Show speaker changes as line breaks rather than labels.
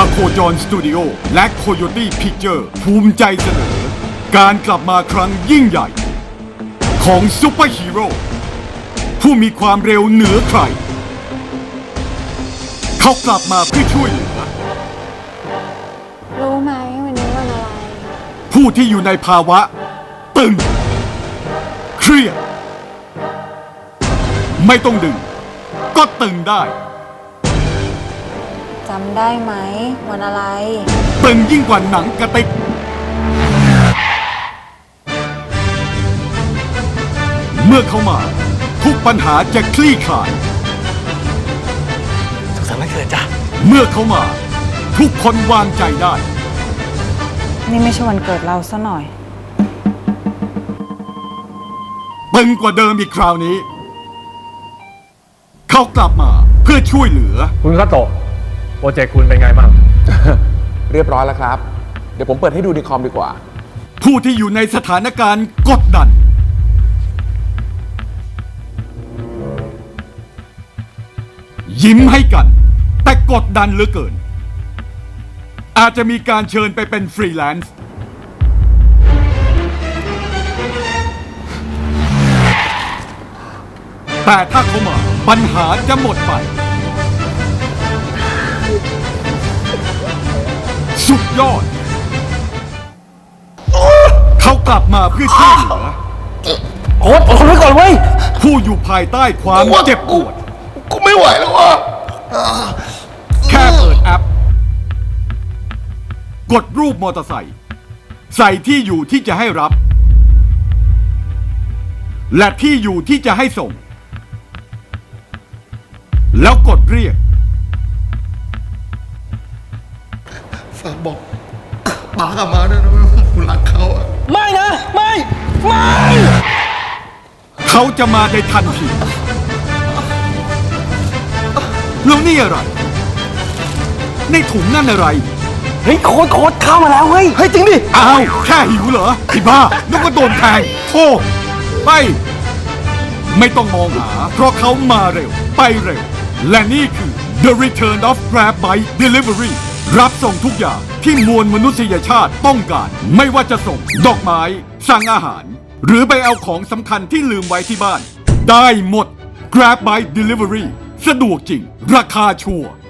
อโคจรสตูดิโอและโคโยตี้พิกเจอร์ภูมิใจเสนอ การกลับมาครั้งยิ่งใหญ่ ของซูเปอร์ฮีโร่ผู้มีความเร็วเหนือใคร เขากลับมาเพื่อช่วยเหลือ
รู้ไหมวันนี้วันอะไร
ผู้ที่อยู่ในภาวะ ตึง เครียด ไม่ต้องดึง ก็ตึงได้
จำได้ไหมวันอะไร
ตึงยิ่งกว่าหนังกระติก เมื่อเขามา ทุกปัญหาจะคลี่คลาย
สุขสันต์วันเกิดจ้ะ
เมื่อเขามา ทุกคนวางใจได้
นี่ไม่ใช่วันเกิดเราซะหน่อย
ตึงกว่าเดิมอีกคราวนี้ เขากลับมาเพื่อช่วยเหลือ
คุณคาโตะโปรเจกต์คุณเป็นไงบ้าง
เรียบร้อยแล้วครับ เดี๋ยวผมเปิดให้ดูในคอมดีกว่า
ผู้ที่อยู่ในสถานการณ์กดดัน ยิ้มให้กัน แต่กดดันเหลือเกิน อาจจะมีการเชิญไปเป็นฟรีแลนซ์ แต่ถ้าเขามาปัญหาจะหมดไป สุดยอด เขากลับมาเพื่อช่วยเหลือ
โอ๊ตอดทนไว้ก่อนเว้ย
ผู้อยู่ภายใต้ความเจ็บปวด
กูไม่ไหวแล้วว่ะ
แค่เปิดแอป กดรูปมอเตอร์ไซค์ใส่ที่อยู่ที่จะให้รับ และที่อยู่ที่จะให้ส่ง แล้วกดเรียก
ฝากบอกป๋ากับมาด้วยนะว่ากูรักเขาอะ
ไม่นะ ไม่
เขาจะมาในทันที แล้วนี่อะไร ในถุงนั่นอะไร
เฮ้ยโค้ดเข้ามาแล้วเฮ้ย เฮ้ยจริงดิ
อ้าว แค่หิวเหรอไอ้บ้านึกว่าโดนแทงโธ่ไป ไม่ต้องมองหา เพราะเขามาเร็ว ไปเร็ว และนี่คือ The Return of Grab Bike Delivery รับส่งทุกอย่างที่มวลมนุษยชาติต้องการ ไม่ว่าจะส่งดอกไม้ สั่งอาหาร หรือไปเอาของสำคัญที่ลืมไว้ที่บ้าน ได้หมด Grab Bike Delivery สะดวกจริง ราคาชัวร์